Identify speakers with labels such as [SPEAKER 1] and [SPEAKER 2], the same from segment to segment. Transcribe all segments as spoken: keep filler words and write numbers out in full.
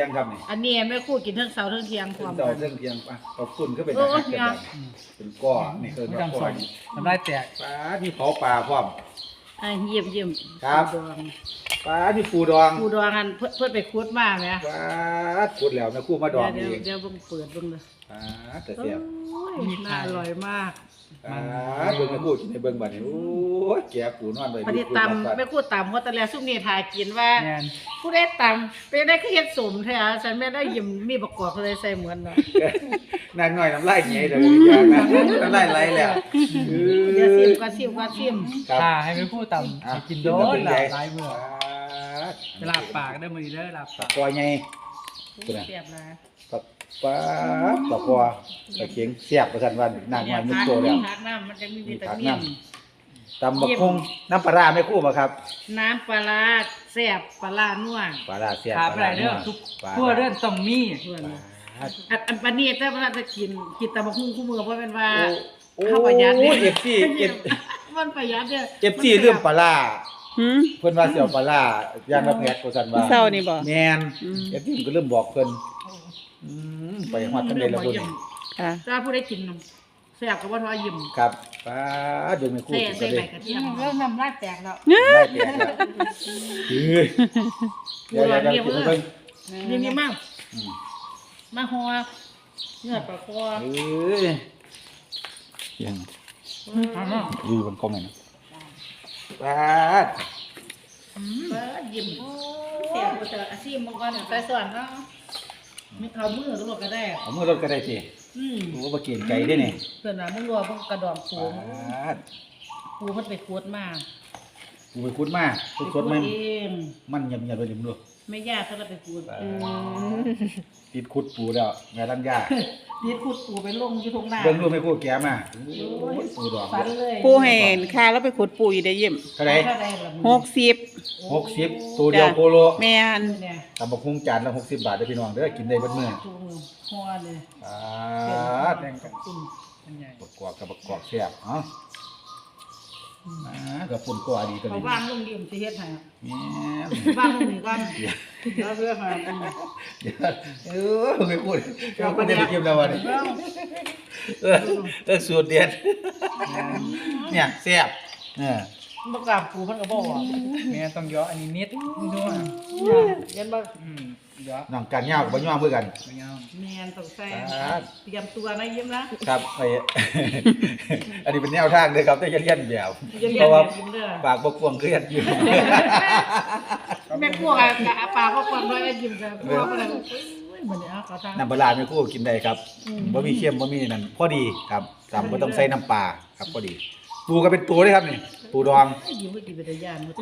[SPEAKER 1] งครับนี่
[SPEAKER 2] อันนี้แม่ครู่กินทั้งเช้าทั้งเที่ยงพร้อม
[SPEAKER 1] ต่อ
[SPEAKER 2] กัน
[SPEAKER 1] เรื่องเพียงป่ะขอบคุณก็เป็นอาหารกันแบบเป็นก้อนนี่คือ
[SPEAKER 3] ไม่
[SPEAKER 1] ก้
[SPEAKER 3] ต้อง
[SPEAKER 1] อ
[SPEAKER 3] ส่
[SPEAKER 1] น
[SPEAKER 3] งทำได้แตก
[SPEAKER 1] ปลาที่เผาปลาพร้อม
[SPEAKER 2] อ่ะเยี่ยมเยี่ยม
[SPEAKER 1] ครับ
[SPEAKER 2] ปูดอง
[SPEAKER 1] ปลาที่ปูดอง
[SPEAKER 2] ปูดองอันเพื่อเพื่อไปคุดมาไหม
[SPEAKER 1] ปลาขุดแล้วแม่คู่มาดอง
[SPEAKER 2] เดี๋ยว
[SPEAKER 1] เอง
[SPEAKER 2] เดี๋ยวเบิ่งเปิดเบิ่งเลย
[SPEAKER 1] ปลาแต่เสียบ
[SPEAKER 2] โอ้ยน่าอร่อยมาก
[SPEAKER 1] ปลาเบิ่งแม่คู่กินในเบิ่งบัดนี้โอ้ยแกปูนอนเลย
[SPEAKER 2] พอดีตำแม่ครู่ตำเพราะตอนแรกซุ่มนี่ทายกินว่า
[SPEAKER 3] แมน
[SPEAKER 2] ผู้ได้ตำเป็นได้คือเฮ็ดสมแท้อะฉันไม่ได้ยิ้มมีประกอบเลยใส่เหมือนเนาะ
[SPEAKER 1] นางน้อยน้ำลายเหนียวเดี๋ยวอย่างนั้นน้ำลายไหลแล้วเอ
[SPEAKER 2] เดี๋ยวซิม
[SPEAKER 1] อ
[SPEAKER 2] ก็ซิมก็ซิม
[SPEAKER 1] ครับ
[SPEAKER 3] ถ้าให้ไปพูดต่ำ
[SPEAKER 1] อ่ะ
[SPEAKER 3] สิกินโดนหลายหลายมือ
[SPEAKER 1] ปลา
[SPEAKER 3] เวลาปากได้มือได้ลา
[SPEAKER 1] ปลา
[SPEAKER 3] ปาก
[SPEAKER 1] คอยไง
[SPEAKER 2] เสียบนะ
[SPEAKER 1] ปลาปลาปลาคอปลาเข็งเสียบประชันวันนางน้อยมุดโตแล้ว
[SPEAKER 2] ผักน้ำมันจะมีวิตา
[SPEAKER 1] ผัก
[SPEAKER 2] มิ
[SPEAKER 1] น้
[SPEAKER 2] น
[SPEAKER 1] ตำบักหุ่งน้ำปลาร้าไม่คู่มาครับ
[SPEAKER 2] น้ำปลาร้าแซ่บปลาร้านัว
[SPEAKER 1] ปลาร้าเสียบ
[SPEAKER 3] ขา
[SPEAKER 1] ป
[SPEAKER 3] ไป
[SPEAKER 1] ลา
[SPEAKER 3] ไหน
[SPEAKER 1] ร้า
[SPEAKER 3] เรื่อง
[SPEAKER 1] นัว
[SPEAKER 3] ทุก
[SPEAKER 1] ปลา
[SPEAKER 3] ทั่วเรื่องต้องมี
[SPEAKER 2] เพื่อน
[SPEAKER 1] ปลา
[SPEAKER 2] อันอันปานนี้แต่ว่าจะกินกินตะบักหุ่งคู่มือเพราะเป็นว่า
[SPEAKER 1] โอ้
[SPEAKER 2] ข้าวประหยัด
[SPEAKER 1] โอ้
[SPEAKER 2] เนี่ย
[SPEAKER 1] เอฟซีเอฟ
[SPEAKER 2] มันประหยัดเนี่ย
[SPEAKER 1] เอฟซีเรื่องปลาร้า
[SPEAKER 4] หืม
[SPEAKER 1] เพิ่นว่าเสี่ยวปลาร้าย่างละแพทย์ประชันว่า
[SPEAKER 4] เศร้านี่บ่
[SPEAKER 1] แมน
[SPEAKER 4] อืม
[SPEAKER 1] เอฟซีก็เริ่มบอกเพิ่นอืมไปฮอดทะเลละบุญ
[SPEAKER 4] ค่ะ
[SPEAKER 2] ถ้าผู้ได้กินแซ่บก็บ่ทอยิ้ม
[SPEAKER 1] ครับปลาดูไม่คู่
[SPEAKER 2] ใส่
[SPEAKER 1] กิน
[SPEAKER 2] ใส่
[SPEAKER 1] กันเล
[SPEAKER 2] ใบ
[SPEAKER 1] ย
[SPEAKER 2] กระเทียมเริ่มน้ำลายแตกแล้ว
[SPEAKER 1] ได้แก่แล้วเฮ้ยเดี๋ยวเดี๋ยวเดี๋ยวกินไปเพิ่น
[SPEAKER 2] นี่นี่มาก
[SPEAKER 1] อืม
[SPEAKER 2] มาหัวเนื้อปลาคอ
[SPEAKER 1] เอ้ยยังอยู่บนกล้องเลยนะปลา
[SPEAKER 2] เปิดยิ้มแซ่บบ่เจออาชีพมังกรใส่ส่วนเนาะมีเอามือลวกก็ได้
[SPEAKER 1] เอามือรถก็ได้สิ
[SPEAKER 2] อืม
[SPEAKER 1] โอ้บ่กินไก่ได้นี่
[SPEAKER 2] เพิ่นว่ามึงรัวมึงกระดอง
[SPEAKER 1] ป
[SPEAKER 2] ปู
[SPEAKER 1] ลา
[SPEAKER 2] ปูมันไปขวดมา
[SPEAKER 1] ปูไปคุดมาสดๆมัน
[SPEAKER 2] เอง
[SPEAKER 1] มันยำๆเลยนี่มึงดู
[SPEAKER 2] ไม่ยากถ้าเราไปขวด
[SPEAKER 1] ปลาติดคุดปูแล้วแม่ลังยา
[SPEAKER 2] นี่ขวดปูไปลงอยู่ตรงหน้า
[SPEAKER 1] เบิ่งดูไม่คู่แกมาโอ้ยปูดอก
[SPEAKER 2] ฟันเลย
[SPEAKER 4] ปูให้ค่าแล้วไปขุดปูอยู่ได้ยิ้ม
[SPEAKER 1] เท่าไหร่
[SPEAKER 2] เท่าใดล่ะมึง
[SPEAKER 4] หกสิบ
[SPEAKER 1] หกสิบตัวเดียวโคโล
[SPEAKER 4] แม่น
[SPEAKER 2] เนี่ย
[SPEAKER 1] ตำบักหุ่งจานละหกสิบบาทเด้อพี่น้องเด้อกินได้เบิดมื้อ
[SPEAKER 2] ถุงหัวเลย
[SPEAKER 1] ปลา
[SPEAKER 2] แดงกับกุ้ง
[SPEAKER 3] อันใหญ่
[SPEAKER 1] บักกอกกับบักกอกแซ่บเอ้าอ่ากับปุ่นกว่าดีตัว
[SPEAKER 2] เขา
[SPEAKER 1] นี้
[SPEAKER 2] ว่างลงดิมสิเฮ็ดให้
[SPEAKER 1] แม่น
[SPEAKER 2] ว่างลงนี่ก่อนแล้วเพื่อหาอันนี้
[SPEAKER 1] เดี๋ยวเออไม่พูดไม่พูดได้ไปกินแล้ววันนี้เออเออสูตรเด็ดเนี่ยแซ่บเออ
[SPEAKER 2] บ่กล้าปูเพิ่นก็บ่ว่า
[SPEAKER 3] แม่ต้องย่ออันนี้นิดนิดด้วย
[SPEAKER 2] เห็นบ่
[SPEAKER 3] อืมย่อ
[SPEAKER 1] น้องกันยาวกับบ่ย่อมือกัน
[SPEAKER 3] ไม่ยอม
[SPEAKER 2] แม่นต้องใส่
[SPEAKER 1] ครับ
[SPEAKER 2] เตรียมตัวนะยิ้มนะครับ
[SPEAKER 1] ไอ้ อันนี้เป็นแนวทางเลยครับแต่จะเรียนแบบ
[SPEAKER 2] อย่าเรียน
[SPEAKER 1] เพราะว่า
[SPEAKER 2] แบบยิ้มเด้อ
[SPEAKER 1] ปากบกพร่วงเครียดอยู่
[SPEAKER 2] แม่ครัวกับกะปลาก็คนด้วยยิ้มกับครัวก็เลยโอ้ยเหมือนเอาเขาทาง
[SPEAKER 1] น้ำปลาร้าไม่คู่กินได้ครับบ่มีเค็มบ่มีนั่นพอดีครับตำบ่ต้องใส่น้ำปลาครับพอดี ปูก็เป็นตัวเลยครับนี่ปูดอง
[SPEAKER 2] ยิ้มไม่กินเป็นยานหมด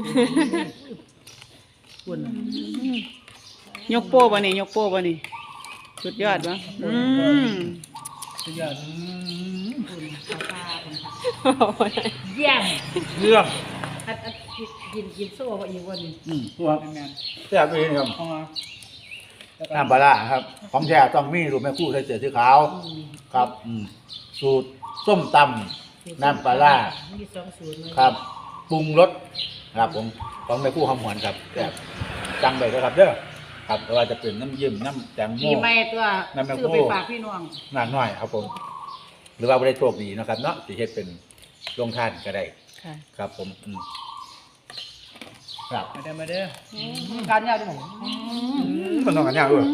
[SPEAKER 2] คุณ
[SPEAKER 4] ยกโป้บ่นี่ยกโป้บ่นี่สุดยอดวะอืม
[SPEAKER 3] สุดยอด
[SPEAKER 2] คุณข้าวปลาคุณเยี่ยม
[SPEAKER 1] เรื่อง
[SPEAKER 2] อันอันกินกินโซ่ว่าอีกวันนี้
[SPEAKER 1] อืมพวก
[SPEAKER 3] แม่น
[SPEAKER 1] แซ่บเลยครับ
[SPEAKER 3] พอ
[SPEAKER 1] น้ำปลาร้าครับของแท้ต้องมีรูปแม่คู่ใส่เสื้อสีขาวครับอืมสูตรส้มตำน้ำปลาร้า
[SPEAKER 2] มีสองสูตรเลย
[SPEAKER 1] ครับปรุงรสครับผมของแม่คู่หอมหวนครับแบบจังไปเลยครับเด้อครับไม่ว่าจะเป็นน้ำยิ้มน้ำแตงโม
[SPEAKER 2] ปีใหม่ตัว
[SPEAKER 1] นั่นแม่
[SPEAKER 2] ซื้อ
[SPEAKER 1] ครู
[SPEAKER 2] ไปฝากพี่น้อง
[SPEAKER 1] งานน้อยครับผม หรือว่าไม่ได้โชคดีนะครับเนาะสิเฮ็ดเป็นโรงทานก็ได้
[SPEAKER 4] ค่ะ
[SPEAKER 1] ครับผมอืมครับ
[SPEAKER 3] มาเด้อมาเด้อ
[SPEAKER 2] การยาด้วย
[SPEAKER 1] มันต้องกันยากด้วย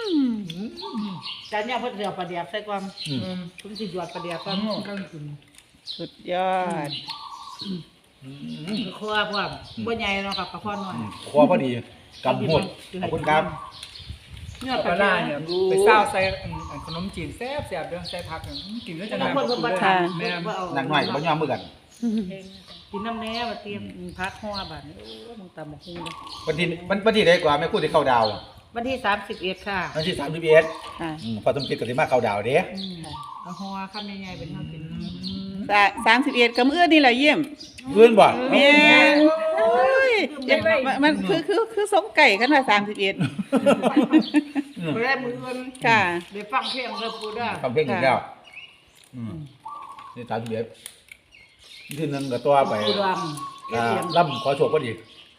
[SPEAKER 2] การยาเพิ่นเดียวประเดียบใส่ความ
[SPEAKER 1] อืม
[SPEAKER 2] ผมสิหยอดประเดียบความก็กิน
[SPEAKER 4] สุดยอด
[SPEAKER 1] อืม
[SPEAKER 2] คือครัวพวกบ่ใหญ่เนาะครับกระเพาะน้อย
[SPEAKER 1] คอพอดีกำหมดขอบคุณครับ
[SPEAKER 2] เนื้อ
[SPEAKER 3] ป
[SPEAKER 2] ปลา
[SPEAKER 3] ลา
[SPEAKER 2] ร้า
[SPEAKER 3] ร้า
[SPEAKER 2] เนี่
[SPEAKER 3] เนี่ย ยไปเศร้าใส่อันขนมจีนแซ่บแซ่บเรื่องใส่ผักเนี่ยกินแล้วจะ
[SPEAKER 2] บางคนเพิ่นบ่ทาน
[SPEAKER 3] แม่
[SPEAKER 2] บ่เอา
[SPEAKER 1] หนักหน่อยบ่ยอมมือกัน
[SPEAKER 2] กินน้ำแหน่มาเตรียมพักห่อบัดนี้โอ้มึงตำบักหุ่งเด้อ
[SPEAKER 1] วันที่วันวันที่ได้กว่าแม่คู่ที่เข้าดาว
[SPEAKER 2] วันที่สามสิบเอ็ดค่ะ
[SPEAKER 1] วันที่สามสิบเอ็ด
[SPEAKER 4] ค่ะ
[SPEAKER 1] พอสมคิดก็สิมาเข้าดาวเด้
[SPEAKER 2] อืมเอาห่อคำใหญ่ๆเป็นเฮากิน
[SPEAKER 4] สามสิบเอ็ดกับมื้อนี่แหละเยี่ยม
[SPEAKER 1] เพื่อนบ่
[SPEAKER 4] แม่นโอ้ยมันมันคือคือคือสมไก่กันว่าสามสิบเอ็ด
[SPEAKER 2] ไปได้มื้ออื่น
[SPEAKER 4] ค่ะ
[SPEAKER 2] ได้ฟังเพลงเด้อปูเด้อ
[SPEAKER 1] ฟังเพลงอีกแล้วอืมนี่สามสิบเอ็ดที่หนึงก็ตัวไป
[SPEAKER 2] ปูดองเอ
[SPEAKER 1] อ่า
[SPEAKER 2] เลียม
[SPEAKER 1] ล่ำขอโชคพอดี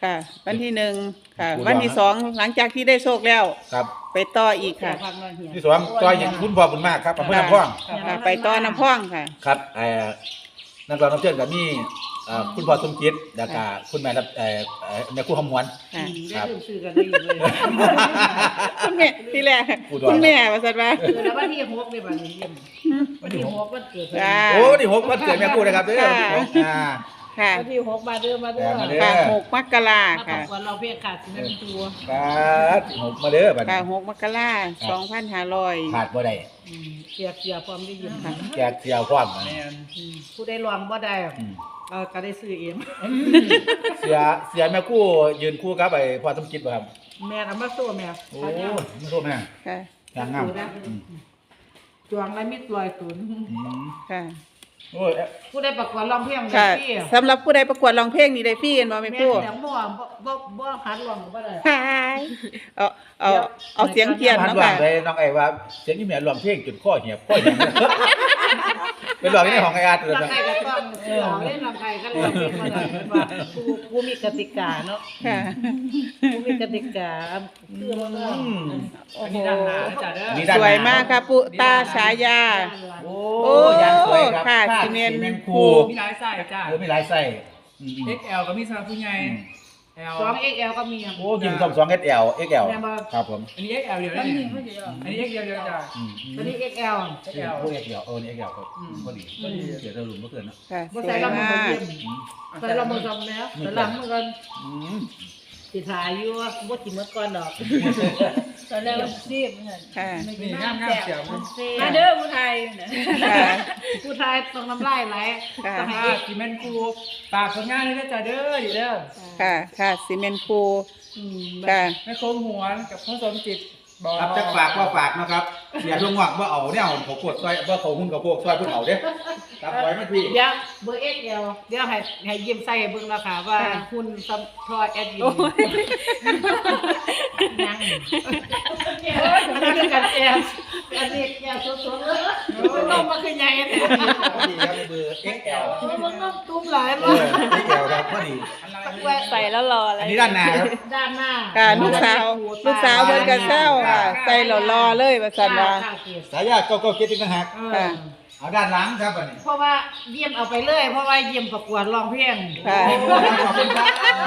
[SPEAKER 4] ค่ะ วันที่หนึ่งค่ะ วันที่สองหลังจากที่ได้โชคแล้ว
[SPEAKER 1] ครับ
[SPEAKER 4] ไปต่ออีก
[SPEAKER 2] แซ่
[SPEAKER 4] ค่ะ
[SPEAKER 2] พักมาเฮีย
[SPEAKER 1] ที่สองต่อยอย่างคุณพ่อบุญมากครับอำเภอน้ำพอง
[SPEAKER 4] ค่ะ ไปต่อน้ำพ่องค่ะ
[SPEAKER 1] ครับเอ่อนักร้องรับเชิญกับมีเอ่อคุณพ่อสมจิตแล้วก็คุณแม่รับเอ่อเอ่อแม่ครูคำหวน
[SPEAKER 4] ค่ะ
[SPEAKER 2] ได้ลืมซื้อกันได้อยู่เลย
[SPEAKER 4] คุณแม่ที่แรก
[SPEAKER 1] อุดร
[SPEAKER 4] คุณแม่ว่าซั่นว่า
[SPEAKER 2] เออแล้ววันที่หกเนี่ยบัดนี้เยี่ยมวันที่หกวันเกิดเพิ่น
[SPEAKER 4] จ้า
[SPEAKER 1] โอ้นี่หกวันเกิดแม่ครูนะครับเด้อ
[SPEAKER 4] ค่ะ
[SPEAKER 1] อ่า
[SPEAKER 4] ค่ะ
[SPEAKER 2] วันที่หกมาเด้อมาเด้อ
[SPEAKER 1] มาเด้อ
[SPEAKER 4] ค่ะหกมกรา
[SPEAKER 2] มาป
[SPEAKER 4] ค่ะ
[SPEAKER 2] ระกวดเราเพียงขาดสิบนาทีตัว
[SPEAKER 1] ครับหกมาเด้อบัด
[SPEAKER 4] ค่ะ
[SPEAKER 1] นี้
[SPEAKER 4] หกมกราสองพันห้าร้อย
[SPEAKER 1] ขาดบ่ได้
[SPEAKER 2] อืมเสียเสียพร้อมได้ยิน
[SPEAKER 4] ค่ะ
[SPEAKER 1] แจกเสียวความ
[SPEAKER 3] แม่น
[SPEAKER 2] อืมผู้ได้รองบ่ได้
[SPEAKER 1] อืม
[SPEAKER 2] เราก็ได้ซื้อเอง
[SPEAKER 1] เสียเสียแม่ครูยืนคู่กับไอ้พ่อสมจิตบ่ครับ
[SPEAKER 2] แม่เอามาโซ่แม่
[SPEAKER 1] โอ้ไม่รู้แม่
[SPEAKER 4] ค่ะ
[SPEAKER 1] ยางงามอืม
[SPEAKER 2] จวงและมิดลอยตุน
[SPEAKER 1] อืม
[SPEAKER 4] ค่ะ
[SPEAKER 1] โอ้ย
[SPEAKER 2] ผู้ได้ประกวดร้องเพลงได้
[SPEAKER 4] ค่ะ
[SPEAKER 2] ที่
[SPEAKER 4] สำหรับผู้ใดประกวดร้องเพลงนี่ได้ฟรีเห็นบ่แม่
[SPEAKER 2] แม่
[SPEAKER 4] ครู
[SPEAKER 2] แต่บ่บ่บ่บ่หัดร้องก็บ่ได้
[SPEAKER 4] ค่ะเอาเอาเอาเสียงเทียน
[SPEAKER 1] พัน
[SPEAKER 4] เนาะ
[SPEAKER 1] ว่า
[SPEAKER 4] ค่ะ
[SPEAKER 1] เลยน้องไอ้ว่าเสียงยี่แม่ร้องเพลงจนข้อเหียบข้อเหียบเป็นร้องในห้องไอ้อาร์ตเลย
[SPEAKER 2] ลำ
[SPEAKER 1] นะ
[SPEAKER 2] ไก่ก็ต้องเสือเล่นลำไก่ก็ร้องเพลงบ่ได้เห็นบ่ผู้ผู้มีกติกาเนาะ
[SPEAKER 4] ค่ะ
[SPEAKER 2] ผู้มีกติกาคือบ่ต้อง
[SPEAKER 1] อืม
[SPEAKER 3] อันนี้ด้านหน้านะจ้าเด้อ
[SPEAKER 1] นี่ด้าน
[SPEAKER 4] ส
[SPEAKER 1] หน้
[SPEAKER 4] วยมากค่ะปุตาฉายา
[SPEAKER 1] โอ้
[SPEAKER 4] โอ้
[SPEAKER 1] ยางสวยครับ
[SPEAKER 4] ค่ะ
[SPEAKER 1] ผ้า
[SPEAKER 4] ซีเมนต์
[SPEAKER 1] ซี
[SPEAKER 4] คู
[SPEAKER 1] คู
[SPEAKER 3] มีหลายไส้จ้า
[SPEAKER 1] เออมีหลายไส้อืม
[SPEAKER 3] เอ็กซ์แอลก็มีสำหรับผู้ใหญ่
[SPEAKER 1] อืม
[SPEAKER 3] L
[SPEAKER 2] สอง เอ็กซ์ แอล ก็มีอ่ะ
[SPEAKER 1] โอ้ยิงสองสองเอสแอลเอ็กแอล
[SPEAKER 2] แม่นบ่
[SPEAKER 1] ครับผม
[SPEAKER 3] อันนี้ เอ็กซ์แอล เดียวได้เนี่ยอันนี้ เอ็กซ์แอล เดียวจ้า
[SPEAKER 1] อืม
[SPEAKER 2] ตัวนี้ เอ็กซ์ แอล
[SPEAKER 3] เอ็กซ์แอล
[SPEAKER 1] โอ้เอ็กแอลเออนี่เอ็กแอลครับ
[SPEAKER 2] อืม
[SPEAKER 1] พอดีพอดีเสียตะลุมเมื่อคืนเนาะ
[SPEAKER 4] ค่ะ
[SPEAKER 2] บ่
[SPEAKER 4] ส
[SPEAKER 2] ใส่
[SPEAKER 4] วย
[SPEAKER 2] ลำมือ
[SPEAKER 4] มา
[SPEAKER 2] บ่
[SPEAKER 4] ก
[SPEAKER 2] เยี่ยม
[SPEAKER 1] อืม
[SPEAKER 2] ใส่ลำมือซำแล้วใส่ลำมือกัน
[SPEAKER 1] อืม
[SPEAKER 2] สิถ่ายอยู่ว่าบ่สิหมดก่อนดอกตอนแรกซีบเหมือน
[SPEAKER 4] ค่ะ
[SPEAKER 3] นี่งามงามเสียง
[SPEAKER 2] มาเด้อผู้ไทย
[SPEAKER 4] ค่ะ
[SPEAKER 2] ผู้ไทยต้องน้ำลายไหล
[SPEAKER 4] ค่ะ
[SPEAKER 2] ต้องให้
[SPEAKER 3] ค่ะซีเมนต์ครูฝากผลงานเลยนะจ้าเด้ออยู่เด้อ
[SPEAKER 4] ค่ะค่ะซีเมนต์คู
[SPEAKER 2] อืม
[SPEAKER 4] ค่ะ
[SPEAKER 3] แม่โคมหวนกับพ่อสมจิตบอก
[SPEAKER 1] ครับจะฝากว่าฝากนะครับเสียช่วงว่างว่าเอาเนี่ยเอาเขาปวดซอยว่าเขาหุ้นเขาพวกซอยเพิ่งเอาเด้ครับไว้ไม่พี่
[SPEAKER 2] เดี๋ยวเบอร์ เอ็กซ์ แอล เดี๋ยวให้ให้ยิ้มใส่ให้เบิ่งแล้วค่ะว่าคุณซัมทอยแอดยินยังอันนี้กันแอลอันนี้แอลสดๆเลยมันลงมาคือใหญ่แท้
[SPEAKER 1] พอดีครับเบอร์ เอ็กแอล
[SPEAKER 2] มันน้ำตุ้มหลาย
[SPEAKER 1] เอ
[SPEAKER 2] มา
[SPEAKER 1] อก เอ็กแอลครับพอดี
[SPEAKER 5] ใส่แล้วรออะไร
[SPEAKER 1] อันนี้ด้านหน้าครับ
[SPEAKER 2] ด้านหน้า
[SPEAKER 4] ค่ะลูกสาวลูกสาวเพิ่นก็แซวค่ะ ใส่หล่อๆเลยว่าซั่นว่า
[SPEAKER 1] สายญาติเก็ก็เก็ตอีกต่างหาก
[SPEAKER 4] ค่ะ
[SPEAKER 1] เอาด้านหลังครับอันนี้
[SPEAKER 2] เพราะว่าเยี่ยมเอาไปเลย เพราะว่าเยี่ยมประกวดร้องเพลง
[SPEAKER 4] ค่ะ
[SPEAKER 1] ขอบคุณครับ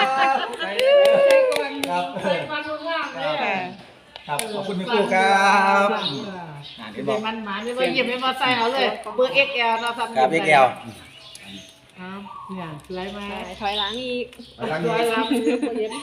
[SPEAKER 1] ครับ
[SPEAKER 2] ใส่ความรู้งามเลย
[SPEAKER 4] ค่ะ
[SPEAKER 1] ครับขอบคุณพี่ครูครับอ่า
[SPEAKER 2] เดี๋
[SPEAKER 1] เดี๋
[SPEAKER 2] ย
[SPEAKER 1] ยว วบอก
[SPEAKER 2] มันหมาไม่ว่าเยี่ยมไม่ว่าใส่เอาเลย เบอร์ เอ็กซ์ แอล เราทำ
[SPEAKER 1] ครับ เอ็กแอล
[SPEAKER 2] ครับเนี่ยสวยไหม
[SPEAKER 5] ถอยหลังอีก
[SPEAKER 2] สวยรับเย็น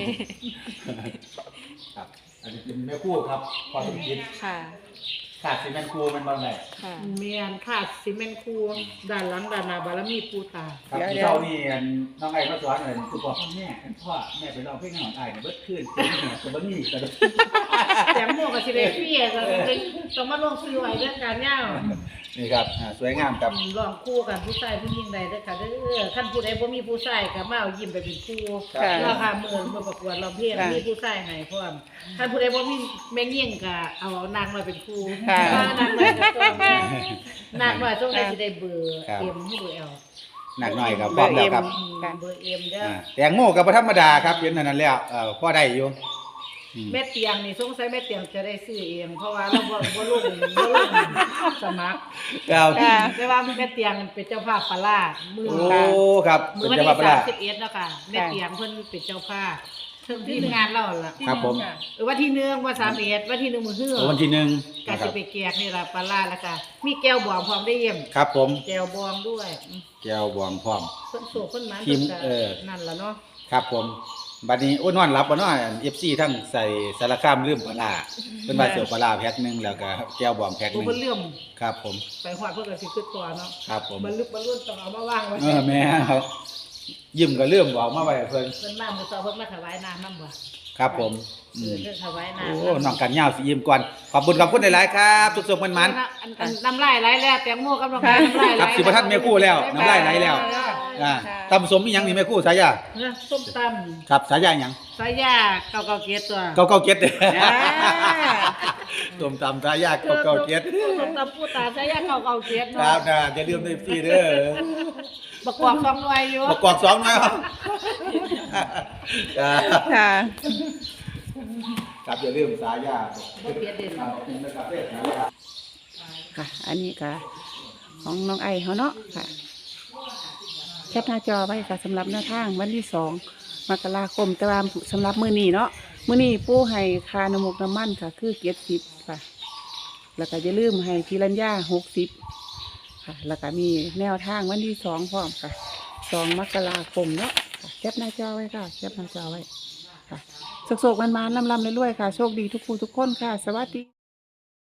[SPEAKER 1] ครับอันนี้เป็นแม่ครู่ครับพอสมคิด
[SPEAKER 5] ค่ะ
[SPEAKER 1] ขาดสิแม่ครูมันบางไหน
[SPEAKER 5] ค่ะ
[SPEAKER 2] เมียนขาดซีเมนต์คูด้านหลังด้านหน้าบารมีปูตา
[SPEAKER 1] ครับ
[SPEAKER 4] เดี๋ยว
[SPEAKER 1] ที่เช้านี่น้องไอ้มาสอนเลยคือบอกแม่พ่อแม่ไปร้องเพลงของไอ้เนี่ยเบิดขึ้นเป็นเนี่ยตัวบ้านี่กัน
[SPEAKER 2] แต่หมวกกับสิเดฟี่ก็ต้องมาลงซื้อไว้เรื่องการย่า
[SPEAKER 1] นี่ครับอ่าสวยงามครับ
[SPEAKER 2] ลองคู่กันผู้ชายผู้หญิงใดเด้อค่ะเด้อคันผู้ใดบ่มีผู้ชายก็มาเอายิ้มไปเป็นคู่
[SPEAKER 4] ค่ะ
[SPEAKER 2] ราคาหมื่นมาประกวดร้องเพลง
[SPEAKER 4] ค่ะ
[SPEAKER 2] มีผู้ชายให้พร้อมคันผู้ใดบ่มีแม่งยิ่งก็เอานางมาเป็นคู่
[SPEAKER 4] ค่ะ
[SPEAKER 2] ว่านางน้อยก็ต้องนางน้อยต้องได้สิได้เบอร์เอ็มให้เบอร์เอล
[SPEAKER 1] หนักหน่อยครับพร้อมแล้วครับ
[SPEAKER 4] ค่ะ
[SPEAKER 2] เบอร์เอ็มเด้อ
[SPEAKER 1] อ่าแตงโมกับธรรมดาครับเห็นอันนั้นแล้วเอ่อพ่อได้อยู่อืม
[SPEAKER 2] แม่เตียงนี่สงสัยแม่เตียงจะได้ซื้อเองเพราะว่าเราบ่บ่ลงบ่ลงสมัคร
[SPEAKER 1] ครับ
[SPEAKER 4] ค่ะ
[SPEAKER 2] แต่ว่าแม่เตียงเป็นเจ้าภาพปลาร้ามือ
[SPEAKER 1] โอ้ครับ
[SPEAKER 2] มื
[SPEAKER 1] เป็
[SPEAKER 2] อน วัน
[SPEAKER 1] จังหวัด
[SPEAKER 2] ที่
[SPEAKER 1] ปรา
[SPEAKER 2] สามสิบเอ็ดแล้วค่ะแม่เตียงเพิ่นเป็นเจ้าภาพเพิ่งที่งานเราล่ะ
[SPEAKER 1] ครับผม
[SPEAKER 2] เออวันที่หนึ่งวันสามเอ็ดวันที่หนึ่งมื้อฮื้อ
[SPEAKER 1] โอ้วันที่หนึ่ง
[SPEAKER 2] กา
[SPEAKER 1] นะค
[SPEAKER 2] สิ
[SPEAKER 1] รับ
[SPEAKER 2] ไปแจกนี่ล่ะปลาร้าแล้วก็มีแก้วบองพร้อมได้เยี่ยม
[SPEAKER 1] ครับผม
[SPEAKER 2] แก้วบองด้วย
[SPEAKER 1] แก้วบวงพร้อม
[SPEAKER 2] เพิ่นโศกเพิ่นหมัน
[SPEAKER 1] ทีม
[SPEAKER 2] พิ่นก็
[SPEAKER 1] เออ
[SPEAKER 2] นั่นล่ะเนาะ
[SPEAKER 1] ครับผมบัดนี้โอ้นอนหลับบ่เนาะ เอฟ ซี ทั้งใส่สารคามลืมปลาร้าเพิ่นว่าเสียวปลาร้าแพ็คหนึงแล้วก็แก้วบวงแพ็คห
[SPEAKER 2] โอ้
[SPEAKER 1] นึง
[SPEAKER 2] เพิ่นเลื่อม
[SPEAKER 1] ครับผม
[SPEAKER 2] ไปฮอดเพิ่นก็สิขึ้นตัวเนาะ
[SPEAKER 1] ครับผม
[SPEAKER 2] บรรลุบรรลุต้องเอามาวางไว้
[SPEAKER 1] เออแม่ครับยิ้มก็เริ่มบอกมาไว้เพิ่น
[SPEAKER 2] เพิ่นมามื้อเช้าเพิ่นมาถวายน้ำนำบ่
[SPEAKER 1] ครับผม
[SPEAKER 2] เอ
[SPEAKER 1] อื
[SPEAKER 2] อ
[SPEAKER 1] ม
[SPEAKER 2] เพิ่นถวายน้ำ
[SPEAKER 1] โอ้น้องกันยาวสิยิ้มก่อนขอบคุณขอบคุณหลายๆครับทุกๆมันมัน
[SPEAKER 2] อันอันน้ำลายไหลแล้วแตงโมกับน้ำลายน้ำลายไหล
[SPEAKER 1] ครับสิบ่ทันแม่ครู่แล้วน้ำลายไหลแล้ว อ่าตำสมอีหยังนี่แม่ครู่สายา
[SPEAKER 2] เนอะส้มต
[SPEAKER 1] ครับสายาหยัง
[SPEAKER 2] ำสายยาเก่าเก่าเกียรตัว
[SPEAKER 1] เก้าเก้าเก็ดเด้อ
[SPEAKER 4] อ่า
[SPEAKER 1] ส้มตำสายาเก้าเก้าเก็ด
[SPEAKER 2] ส้มตำปูตาสายยาเก่าเก่าเกียร
[SPEAKER 1] ค
[SPEAKER 2] เนาะ
[SPEAKER 1] รับนะอย่าลืมในฟรีเด้อ
[SPEAKER 2] ประกอบสองหน่วยอยู่
[SPEAKER 1] ประกอบสองหน่อยครับครับ
[SPEAKER 4] ค่ะ
[SPEAKER 1] ครับอย่าลืมสายา
[SPEAKER 2] บ่เปลี่ยนเด่น
[SPEAKER 1] ครับนะครับเด้อสายา
[SPEAKER 4] ค่ะ อันนี้ค่ะ ของน้องไอเขาเนาะค่ะ แคปหน้าจอไว้ค่ะสำหรับหน้าทางวันที่สองมกราคมแต่ว่าสำหรับมื้อนี้เนาะมื้อนี้ปู่ให้คาน้ำมูกน้ำมันค่ะ คือเกียรติสิบค่ะ แล้วก็อย่าลืมให้พิรัญญาหกสิบค่ะ แล้วก็มีแนวทางวันที่สองพร้อมค่ะสองมกราคมเนาะค่ะแคปหน้าจอไว้ค่ะแคปหน้าจอไว้ค่ะโศกๆมันๆลำๆเรื่อยๆค่ะ โชคดีทุกผู้ทุกคนค่ะ สวัสดี